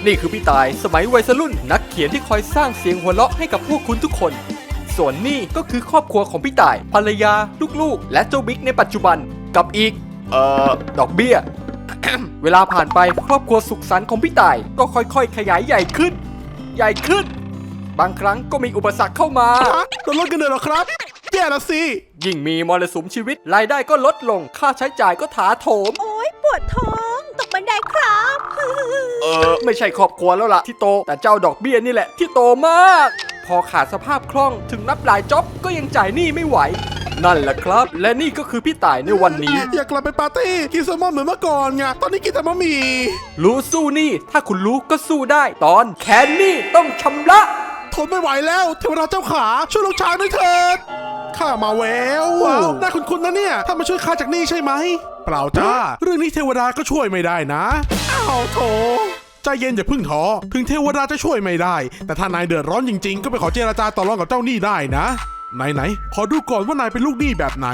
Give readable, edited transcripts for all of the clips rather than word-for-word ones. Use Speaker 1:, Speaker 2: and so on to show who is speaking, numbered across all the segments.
Speaker 1: นี่คือพี่ตายสมัยวัยรุ่นนักเขียนที่คอยสร้างเสียงหัวเราะให้กับพวกคุณทุกคนส่วนนี่ก็คือครอบครัวของพี่ตายภรรยาลูกๆและเจ้าบิ๊กในปัจจุบันกับอีกดอกเบี้ย เวลาผ่านไปครอบครัวสุขสันต์ของพี่ตายก็ค่อยๆขยายใหญ่ขึ้นบางครั้งก็มีอุปสรรคเข้ามา
Speaker 2: โดนลดเงินเดือนเหรอครับแย่ละสิ
Speaker 1: ยิ่งมีมรสุมชีวิตรายได้ก็ลดลงค่าใช้จ่ายก็ถาโถม
Speaker 3: โอ๊ยปวดท้องตกบันไดครับ
Speaker 1: ไม่ใช่ครอบครัวแล้วล่ะที่โตแต่เจ้าดอกเบี้ยนี่แหละที่โตมากพอขาดสภาพคล่องถึงนับหลายจ็อบก็ยังจ่ายหนี้ไม่ไหวนั่นแหละครับและนี่ก็คือพี่ต่ายในวันนี้
Speaker 2: อยากกลับไปปาร์ตี้กินแซลมอนเหมือนเมื่อก่อนไงตอนนี้กินแต่บะหมี่
Speaker 1: รู้สู้หนี้ถ้าคุณรู้ก็สู้ได้ตอนแค้นหนี้ต้องชำระ
Speaker 2: ทนไม่ไหวแล้วเทวดาเจ้าขาช่วยลูกชายด้วยเถิดข้ามาแววว้าวน่าคุ้นๆนะเนี่ยถ้ามาช่วยข้าจากหนี้ใช่ไหมเปล่าจ้าเรื่องนี้เทวดาก็ช่วยไม่ได้นะอ้าวโถใจเย็นอย่าพึ่งท้อถึงเทวดาจะช่วยไม่ได้แต่ถ้านายเดือดร้อนจริงๆก็ไปขอเจรจาต่อรองกับเจ้าหนี้ได้นะไหนขอดูก่อนว่านายเป็นลูกหนี้แบบไหน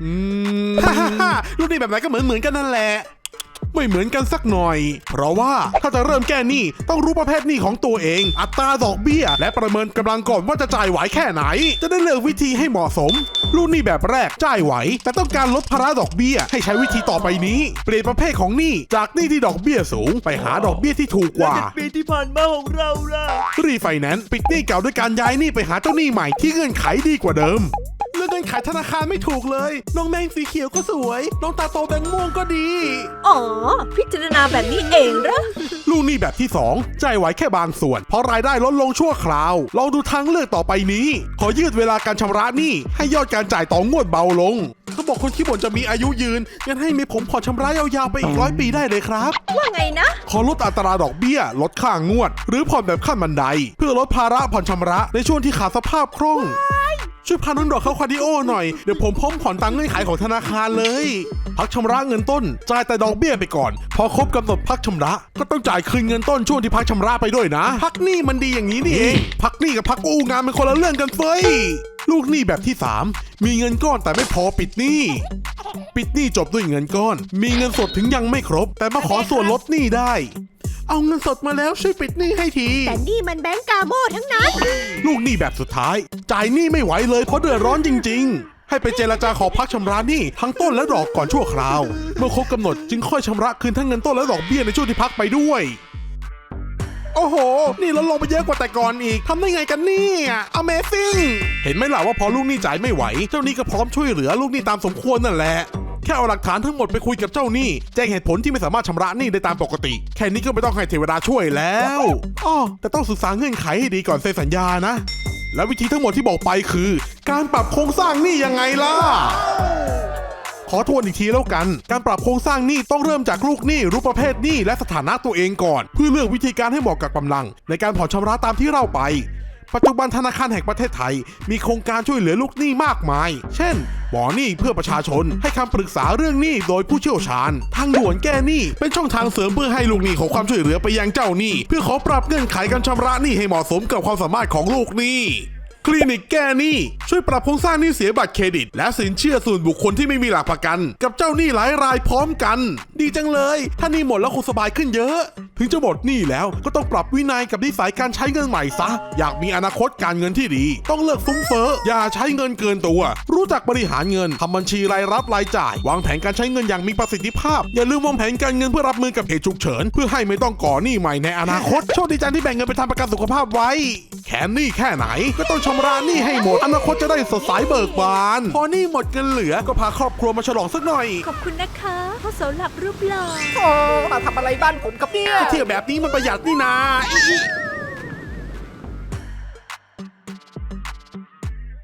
Speaker 2: ลูกหนี้แบบไหนก็เหมือนกันนั่นแหละไม่เหมือนกันสักหน่อยเพราะว่าถ้าจะเริ่มแก้หนี้ต้องรู้ประเภทหนี้ของตัวเองอัตราดอกเบี้ยและประเมินกำลังก่อนว่าจะจ่ายไหวแค่ไหนจะได้เลือกวิธีให้เหมาะสมลูกหนี้แบบแรกจ่ายไหวแต่ต้องการลดภาระดอกเบี้ยให้ใช้วิธีต่อไปนี้เปลี่ยนประเภทของหนี้จากหนี้ที่ดอกเบี้ยสูงไปหาดอกเบี้ยที่ถูกกว่า
Speaker 4: ปีที่ผ่านมาของเราล่ะ
Speaker 2: รีไฟแนนซ์ปิดหนี้เก่าด้วยการย้ายหนี้ไปหาเจ้าหนี้ใหม่ที่เงื่อนไขดีกว่าเดิมเรื่องเงื่อนไขธนาคารไม่ถูกเลยน้องแมงสีเขียวก็สวยน้องตาโตแบงม่วงก็ดี
Speaker 3: อ๋อพิจารณาแบบนี้เองเหรอ
Speaker 2: ลูกหนี้แบบที่2จ่ายไหวแค่บางส่วนเพราะรายได้ลดลงชั่วคราวลองดูทางเลือกต่อไปนี้ขอยืดเวลาการชำระหนี้ให้ยอดการจ่ายต่องวดเบาลงเขาบอกคนขี้บ่นจะมีอายุยืนงั้นให้มีผมผ่อนชำระยาวๆไปอีก100 ปีได้เลยครับ
Speaker 3: ว่าไงนะ
Speaker 2: ขอลดอัตราดอกเบี้ยลดค่างวดหรือผ่อนแบบขั้นบันไดเพื่อลดภาระผ่อนชำระในช่วงที่ขาดสภาพคล่องช่วยพาน้องดอกเข้าคาร์ดิโอหน่อยเดี๋ยวผมพร้อมผ่อนตามเงื่อนไขของธนาคารเลยพักชำระเงินต้นจ่ายแต่ดอกเบี้ยไปก่อนพอครบกำหนดพักชำระก็ต้องจ่ายคืนเงินต้นช่วงที่พักชำระไปด้วยนะพักหนี้มันดีอย่างนี้นี่เองพักหนี้กับพักกู้งานเป็นคนละเรื่องกันเฟ้ยลูกหนี้แบบที่3มีเงินก้อนแต่ไม่พอปิดหนี้จบด้วยเงินก้อนมีเงินสดถึงยังไม่ครบแต่มาขอส่วนลดหนี้ได้เอาเงินสดมาแล้วช่วยปิดหนี้ให้ที
Speaker 3: แต่นี่มันแบงก์กาโม่ทั้งนั้น
Speaker 2: ลูกหนี้แบบสุดท้ายจ่ายหนี้ไม่ไหวเลยเพราะเดือดร้อนจริงๆให้ไปเจรจาขอพักชำระหนี้ทั้งต้นและดอกก่อนชั่วคราวเมื่อครบกำหนดจึงค่อยชำระคืนทั้งเงินต้นและดอกเบี้ยในช่วงที่พักไปด้วยโอ้โหนี่ลดลงไปเยอะกว่าแต่ก่อนอีกทำได้ไงกันเนี่ย Amazing เห็นไหมล่ะว่าพอลูกหนี้จ่ายไม่ไหวเจ้าหนี้ก็พร้อมช่วยเหลือลูกหนี้ตามสมควรนั่นแหละแค่เอาหลักฐานทั้งหมดไปคุยกับเจ้าหนี้แจ้งเหตุผลที่ไม่สามารถชำระหนี้ได้ตามปกติแค่นี้ก็ไม่ต้องให้เทวดาช่วยแล้วอ้อแต่ต้องศึกษาเงื่อนไขให้ดีก่อนเซ็นสัญญานะและวิธีทั้งหมดที่บอกไปคือการปรับโครงสร้างหนี้ยังไงล่ะขอทวนอีกทีแล้วกันการปรับโครงสร้างหนี้ต้องเริ่มจากลูกหนี้รู้ประเภทหนี้และสถานะตัวเองก่อนเพื่อเลือกวิธีการให้เหมาะกับกำลังในการผ่อนชำระตามที่เล่าไปปัจจุบันธนาคารแห่งประเทศไทยมีโครงการช่วยเหลือลูกหนี้มากมายเช่นหมอหนี้เพื่อประชาชนให้คำปรึกษาเรื่องหนี้โดยผู้เชี่ยวชาญทางด่วนแก้หนี้เป็นช่องทางเสริมเพื่อให้ลูกหนี้ขอความช่วยเหลือไปยังเจ้าหนี้เพื่อขอปรับเงื่อนไขการชำระหนี้ให้เหมาะสมกับความสามารถของลูกหนี้คลินิกแก้หนี้ช่วยปรับโครงสร้างหนี้เสียบัตรเครดิตและสินเชื่อส่วนบุคคลที่ไม่มีหลักประกันกับเจ้าหนี้หลายรายพร้อมกันดีจังเลยถ้าหนี้หมดแล้วคงสบายขึ้นเยอะถึงจะหมดหนี้แล้วก็ต้องปรับวินัยกับนิสัยการใช้เงินใหม่ซะอยากมีอนาคตการเงินที่ดีต้องเลิกฟุ้งเฟ้ออย่าใช้เงินเกินตัวรู้จักบริหารเงินทำบัญชีรายรับรายจ่ายวางแผนการใช้เงินอย่างมีประสิทธิภาพอย่าลืมวางแผนการเงินเพื่อรับมือกับเหตุฉุกเฉินเพื่อให้ไม่ต้องก่อหนี้ใหม่ในอนาคตโชคดีจังที่แบ่งเงินไปทำประกันสุขภาพไว้แค้นหนี้แค่ไหนก็ต้องชำระหนี้ให้หมดอนาคตจะได้สดใสเบิกบานพอหนี้หมดเงินเหลือก็พาครอบครัวมาฉลองสักหน่อย
Speaker 3: ขอบคุณนะคะพ่อเสาหลักรูปหล่อ
Speaker 1: มาทำอะไรบ้านผมครับเนี่ย
Speaker 2: เที่ยวแบบนี้มันประหยัดนี่นา